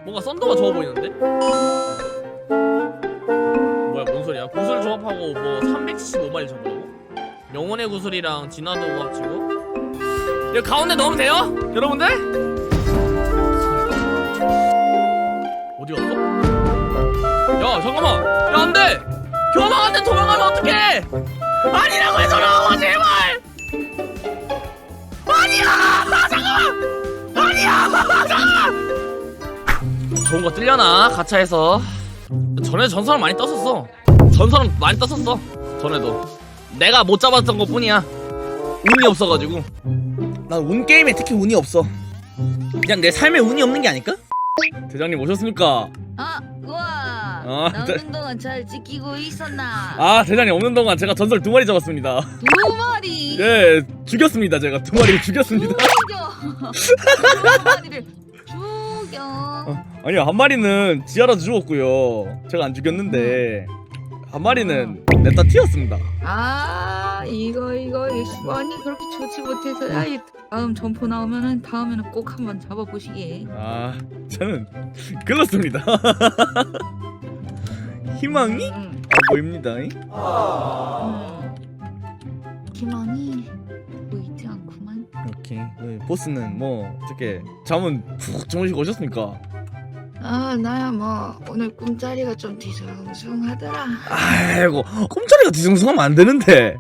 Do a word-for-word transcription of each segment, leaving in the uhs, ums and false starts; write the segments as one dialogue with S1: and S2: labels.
S1: 뭔가 썬더가 좋아 보이는데? 뭐야 뭔 소리야? 구슬 조합하고 뭐 삼백칠십오 마리 잡으라고? 영혼의 구슬이랑 진화도 합치고 여기 가운데 넣으면 돼요? 여러분들? 어디 갔어? 야 잠깐만 야 안돼! 교황한테 도망가면 어떡해! 아니라고 해서 나와 제발! 아니야! 아, 잠깐만! 아니야! 잠깐만! 좋은 거 뜰려나? 가차에서 전에 전설은 많이 떴었어. 전설은 많이 떴었어. 전에도 내가 못 잡았던 것 뿐이야. 운이 없어가지고. 난 운 게임에 특히 운이 없어. 그냥 내 삶에 운이 없는 게 아닐까? 대장님 오셨습니까?
S2: 아, 우와.
S1: 아,
S2: 남은
S1: 네.
S2: 동안 잘 지키고 있었나?
S1: 아 대장님 없는 동안 제가 전설 두 마리 잡았습니다.
S2: 두 마리.
S1: 예 죽였습니다. 제가 두 마리를 죽였습니다.
S2: 죽여. 두 마리를 죽여.
S1: 어, 아니요 한 마리는 지하라도 죽었고요. 제가 안 죽였는데 한 마리는 냈다 튀었습니다.
S2: 아, 이거 이거 이거 아니 그렇게 좋지 못해서 야, 이 다음 점포 나오면은 다음에는 꼭 한번 잡아보시게.
S1: 아 저는 글렀습니다. 희망이
S2: 응.
S1: 아 보입니다.
S2: 음. 희망이 보이지 않구만.
S1: 이렇게 네, 보스는 뭐 어떻게 잠은 푹 주무시고 오셨습니까?
S2: 아, 나야 뭐 오늘 꿈자리가 좀 뒤숭숭하더라.
S1: 아이고 꿈자리가 뒤숭숭하면 안 되는데.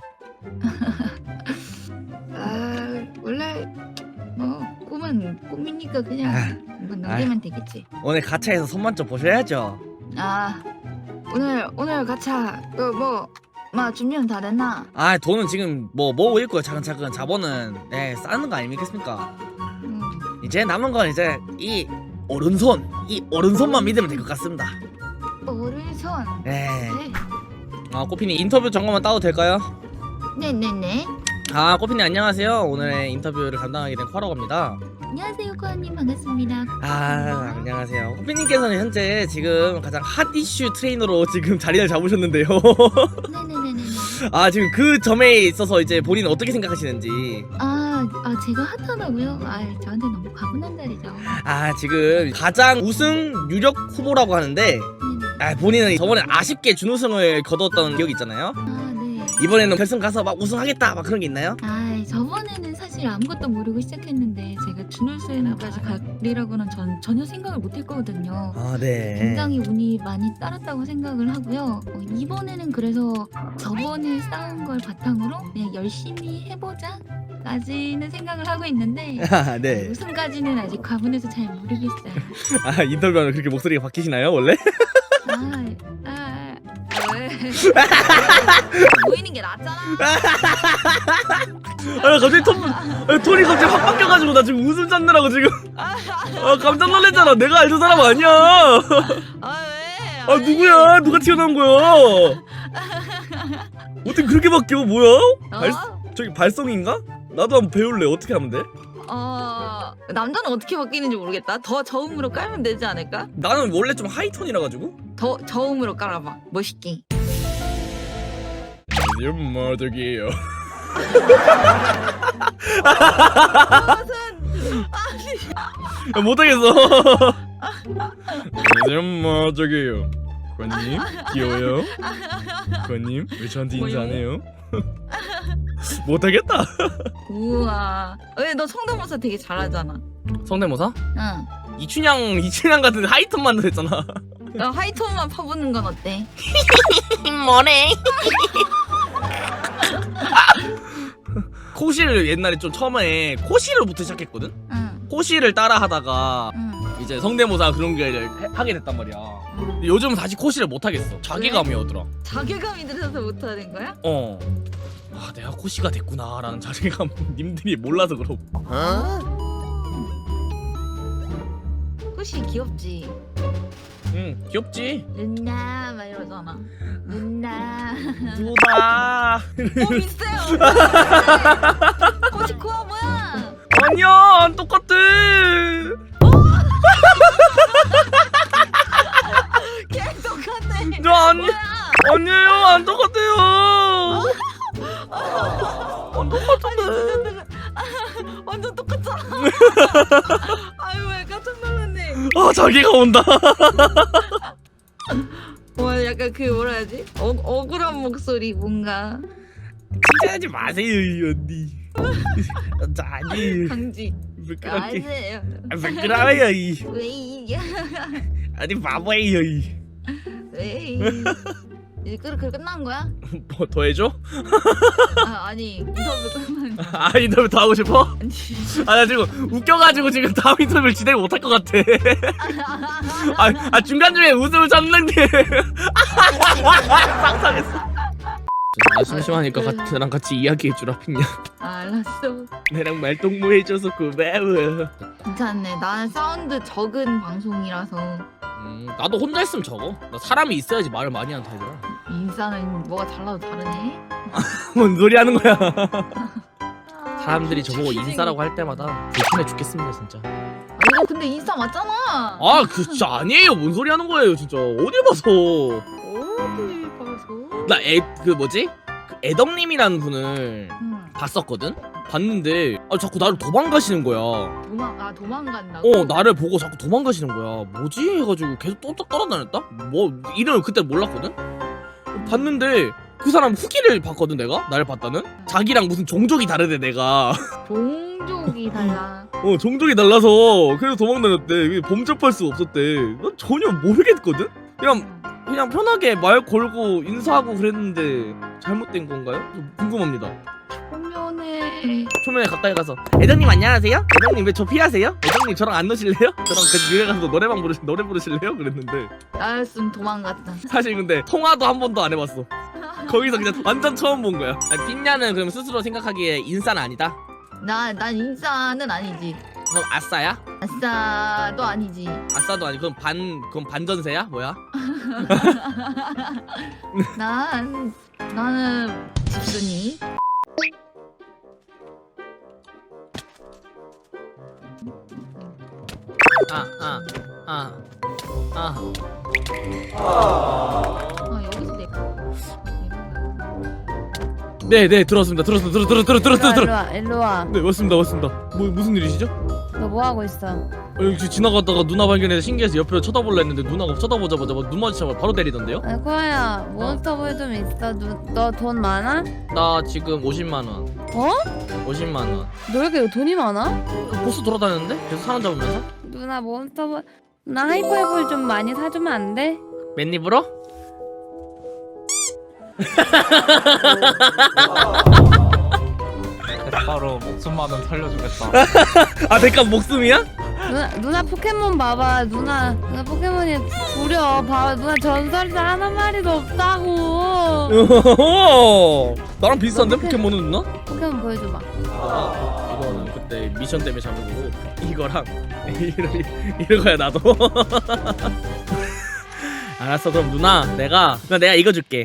S2: 아, 원래 뭐 꿈은 꿈이니까 그냥
S1: 아,
S2: 뭐 넘기면 되겠지.
S1: 오늘 가차에서 손만 좀 보셔야죠.
S2: 아, 오늘 오늘 가차 그뭐막 준비는 다 됐나?
S1: 아 돈은 지금 뭐 모으고 있고요. 차근차근 자본은 네 쌓는 거 아니겠습니까?
S2: 음.
S1: 이제 남은 건 이제 이 오른손 이 오른손만 믿으면 될 것 같습니다.
S2: 오른손.
S1: 네.
S2: 네,
S1: 아 꼬피님 인터뷰 잠깐만 따도 될까요?
S2: 네네네.
S1: 아 꼬피님 안녕하세요. 오늘의 인터뷰를 담당하게 된 쿼러입니다.
S2: 안녕하세요, 코아님 반갑습니다.
S1: 아 안녕하세요. 꼬피님께서는 현재 지금 가장 핫 이슈 트레이너로 지금 자리를 잡으셨는데요.
S2: 네네네네.
S1: 아 지금 그 점에 있어서 이제 본인은 어떻게 생각하시는지.
S2: 아, 아 제가 핫하다고요? 아, 저한테 너무 과분한 자리죠.
S1: 아 지금 가장 우승 유력 후보라고 하는데
S2: 네네.
S1: 아 본인은 저번에 아쉽게 준우승을 거뒀던 기억이 있잖아요.
S2: 아, 네.
S1: 이번에는 결승 가서 막 우승하겠다 막 그런 게 있나요?
S2: 아, 저번에는 사실 아무것도 모르고 시작했는데 제가 준우승까지 가리라고는 전 전혀 생각을 못했거든요.
S1: 아 네.
S2: 굉장히 운이 많이 따랐다고 생각을 하고요. 어, 이번에는 그래서 저번에 쌓은 걸 바탕으로 그냥 열심히 해보자 까지는 생각을 하고 있는데
S1: 아 네.
S2: 우승까지는 아직 과분해서 잘 모르겠어요.
S1: 아 인터뷰하면 그렇게 목소리가 바뀌시나요 원래?
S2: 아, 아, 아, 왜? 보이는 게 낫잖아.
S1: 아 갑자기 톤 아, 톤이 갑자기 확 바뀌어가지고 나 지금 웃음 잡느라고 지금 아 깜짝 놀랐잖아. 내가 알던 사람 아니야.
S2: 아, 왜?
S1: 아 누구야? 누가 튀어나온 거야? 어떻게 그렇게 바뀌어? 뭐야? 발
S2: 어?
S1: 저기 발성인가? 나도 한번 배울래. 어떻게 하면 돼?
S2: 어, 남자는 어떻게 바뀌는지 모르겠다. 더 저음으로 깔면 되지 않을까?
S1: 나는 원래 좀 하이톤이라 가지고.
S2: 더 저음으로 깔아봐. 멋있게.
S1: 이런 마덕이에요.
S2: 무슨
S1: 못하겠어. 이런 마덕이에요. 권님 귀여워요. 권님 왜 저한테 인사 안 해요? 못하겠다.
S2: 우와. 왜 너 성대모사 되게 잘하잖아.
S1: 성대모사?
S2: 응.
S1: 이춘향 이춘향 같은 하이톤만 했잖아.
S2: 나 하이톤만 파보는 건 어때?
S1: 뭐래? 코시를 옛날에 좀 처음에 코시를부터 시작했거든.
S2: 응.
S1: 코시를 따라하다가
S2: 응.
S1: 이제 성대모사 그런 게 하게 됐단 말이야.
S2: 응.
S1: 근데 요즘은 다시 코시를 못 하겠어. 자괴감이 오더라.
S2: 자괴감이 들어서 못하는 거야?
S1: 어. 아 내가 코시가 됐구나라는 자괴감 님들이 몰라서 그러고.
S2: 혹시 귀엽지?
S1: 응 귀엽지.
S2: 누나 막 이러잖아. 누나.
S1: 누나.
S2: 어 비슷해요. 혹시 코아 뭐야?
S1: 아니야 안 똑같아.
S2: 걔 똑같네.
S1: 저 아니
S2: 뭐야?
S1: 아니에요 안 똑같아요. 안 똑같은데.
S2: 완전 똑같잖아. 아유 왜 깜짝 놀랐네.
S1: 아 자기가 온다.
S2: 와 약간 그 뭐라 해야지? 어, 억울한 목소리 뭔가
S1: 칭찬하지 마세요 이 언니. 자 아니
S2: 강지
S1: 부끄럽게
S2: 아세요?
S1: 아, 부끄러워요 이
S2: 왜 이게
S1: 아니 바보예요 이.
S2: 왜 이제 그렇게 끝난 거야?
S1: 뭐 더 해줘?
S2: 아 아니 인터뷰 끝난
S1: 아 인터뷰 더 하고 싶어?
S2: 아니
S1: 아 나 지금 웃겨가지고 지금 다음 인터뷰를 진행 못할 것 같아. 아, 아 중간 중에 웃음을 참는데. 상상했어. 나 심심하니까 같이 나랑 같이 이야기해주라 핑냐.
S2: 알았어
S1: 내랑 말동무 해줘서 고마워.
S2: 괜찮네 나는 사운드 적은 방송이라서
S1: 음 나도 혼자 있으면 적어. 나 사람이 있어야지 말을 많이 하는 타입이야.
S2: 인싸는 뭐가 달라도 다르네
S1: 뭔 소리 하는 거야.
S2: 아,
S1: 사람들이 저보고 인싸라고 할 때마다 불편해 죽겠습니다 진짜.
S2: 이거 근데 인싸 맞잖아
S1: 아 그 진짜 아니에요. 뭔 소리 하는 거예요 진짜. 어딜 봐서.
S2: 어디 가서
S1: 나 애 그 뭐지? 그 애덕님이라는 분을
S2: 응.
S1: 봤었거든? 봤는데 아 자꾸 나를 도망가시는 거야.
S2: 도망 아 도망간다고?
S1: 어 나를 보고 자꾸 도망가시는 거야. 뭐지? 해가지고 계속 또 따라다녔다? 뭐 이름을 그때 몰랐거든? 봤는데 그 사람 후기를 봤거든 내가? 나를 봤다는? 자기랑 무슨 종족이 다르대 내가.
S2: 종족이 달라
S1: 어 종족이 달라서 그래서 도망다녔대. 범접할 수 없었대. 난 전혀 모르겠거든? 그냥 그냥 편하게 말 걸고 인사하고 그랬는데 잘못된 건가요? 궁금합니다.
S2: 초면에
S1: 초면에 가까이 가서 애덕님 안녕하세요? 애덕님 왜 저 피하세요? 애덕님 저랑 안 노실래요? 저랑 같이 유해 가서 노래방 부르시 노래 부르실래요? 그랬는데
S2: 나였으면 도망갔다
S1: 사실 근데 통화도 한 번도 안 해봤어. 거기서 그냥 완전 처음 본 거야. 아니, 핀냐는 그럼 스스로 생각하기에 인싸는 아니다?
S2: 나, 난 인싸는 아니지
S1: 그럼 아싸야?
S2: 아싸도 아니지
S1: 아싸도 아니 그럼 반 그럼 반전세야? 뭐야?
S2: 난 나는 집순이
S1: 아아아아 아, 아.
S2: 아 여기서 내
S1: 네네 들었습니다. 들었어 들어 들어 들어 들어 들어 들어.
S3: 일로와 일로와
S1: 네 맞습니다 맞습니다. 뭐 무슨 일이시죠?
S3: 너 뭐하고 있어?
S1: 어, 여기 지나가다가 누나 발견해서 신기해서 옆으로 쳐다볼라 했는데 누나가 쳐다보자마자 막 눈 마주치자마자 바로 때리던데요?
S3: 아니 코아야 몬스터볼 좀 있어. 너 돈 많아?
S1: 나 지금 오십만 원.
S3: 어?
S1: 오십만 원.
S3: 너 왜 이렇게 돈이 많아?
S1: 그 보스 돌아다녔는데? 계속 사람 잡으면서?
S3: 누나 몬스터볼 나 하이퍼볼 좀 많이 사주면 안 돼?
S1: 맨입으로?
S4: 바로 목숨만 원 살려주겠다.
S1: 아 대가 목숨이야?
S3: 누나 누나 포켓몬 봐봐. 누나 누나 포켓몬이 구려. 봐봐 누나 전설자 하나 마리도 없다고.
S1: 나랑 비슷한데
S3: 포켓-
S1: 포켓몬은 누나?
S3: 포켓몬 보여줘봐.
S1: 이거는 그때 미션 때문에 잡은 거고 이거랑 이러, 이러거야 나도. 알았어 그럼 누나 내가 누나 내가 이거 줄게.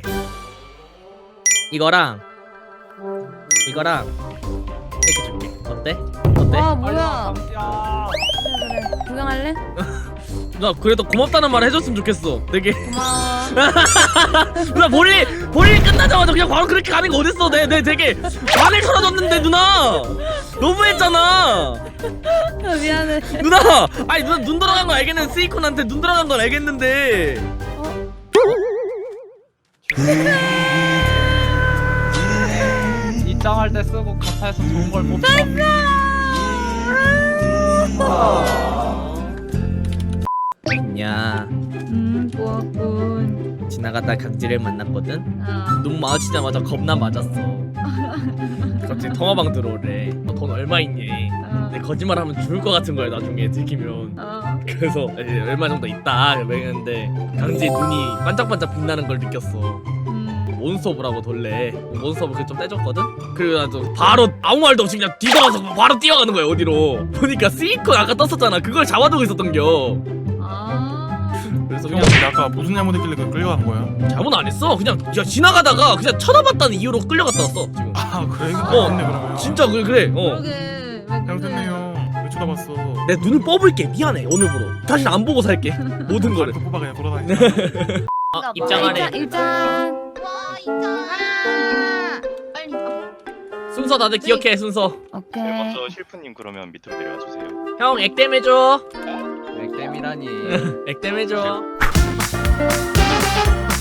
S1: 이거랑 이거랑 이렇게 줄게. 어때? 어때?
S3: 와 뭐야?
S4: 야
S3: 그래 그래 구경할래?
S1: 누나 그래도 고맙다는 말 해줬으면 좋겠어. 되게
S3: 고마워.
S1: 누나 볼일 볼일 끝나자마자 그냥 바로 그렇게 가는 거 어딨어? 내 내 되게 반을 털어줬는데 누나 너무했잖아.
S3: 아, 미안해.
S1: 누나 아니 누나 눈 돌아간 거 알겠는데 스이콘한테 눈 돌아간 건 알겠는데
S3: 어?
S4: 입장할 때 쓰고 가차에서 좋은 걸 못 써.
S1: 야
S2: 음 고맙군
S1: 지나가다 강지를 만났거든.
S2: 아
S1: 눈 마주치자마자 겁나 맞았어. 갑자기 통화방 들어오래. 너 돈 얼마 있니?
S2: 아,
S1: 근데 거짓말하면 죽을 것 같은 거야 나중에 들키면.
S2: 아,
S1: 그래서 이제 얼마 정도 있다 그랬는데 강지의 눈이 반짝반짝 빛나는 걸 느꼈어.
S2: 음,
S1: 몬스터브라고 돌래. 몬스터브 그좀 떼줬거든? 그리고 나도 바로 아무 말도 없이 그냥 뒤돌아서 바로 뛰어가는 거야 어디로. 보니까 스이콘 아까 떴었잖아. 그걸 잡아두고 있었던겨.
S2: 아,
S1: 그래서
S5: 형
S1: 그냥
S5: 근데 아까 무슨 잘못했길래 그 끌려간 거야?
S1: 잘못 안 했어. 그냥 야, 지나가다가 그냥 쳐다봤다는 이유로 끌려갔다 왔어 지금.
S5: 아 그래? 이거
S1: 어.
S5: 맞네 그러면.
S1: 진짜 그래 그래. 어.
S2: 그러게 왜 그래
S5: 잘못했네요. 왜 쳐다봤어?
S1: 내 눈을 뽑을게. 미안해 오늘부로. 다시는 안 보고 살게. 모든 거를.
S5: 또 뽑아 그냥 돌아다니.
S1: 아, 입장하래.
S3: 일장 일장.
S2: 와 있잖아 빨리
S1: 순서 다들 기억해 순서.
S3: 오케이.
S6: 네, 먼저 실프님 그러면 밑으로 내려와 주세요.
S1: 형 액땜 해줘.
S4: 네, 액땜이라니.
S1: 액땜해줘.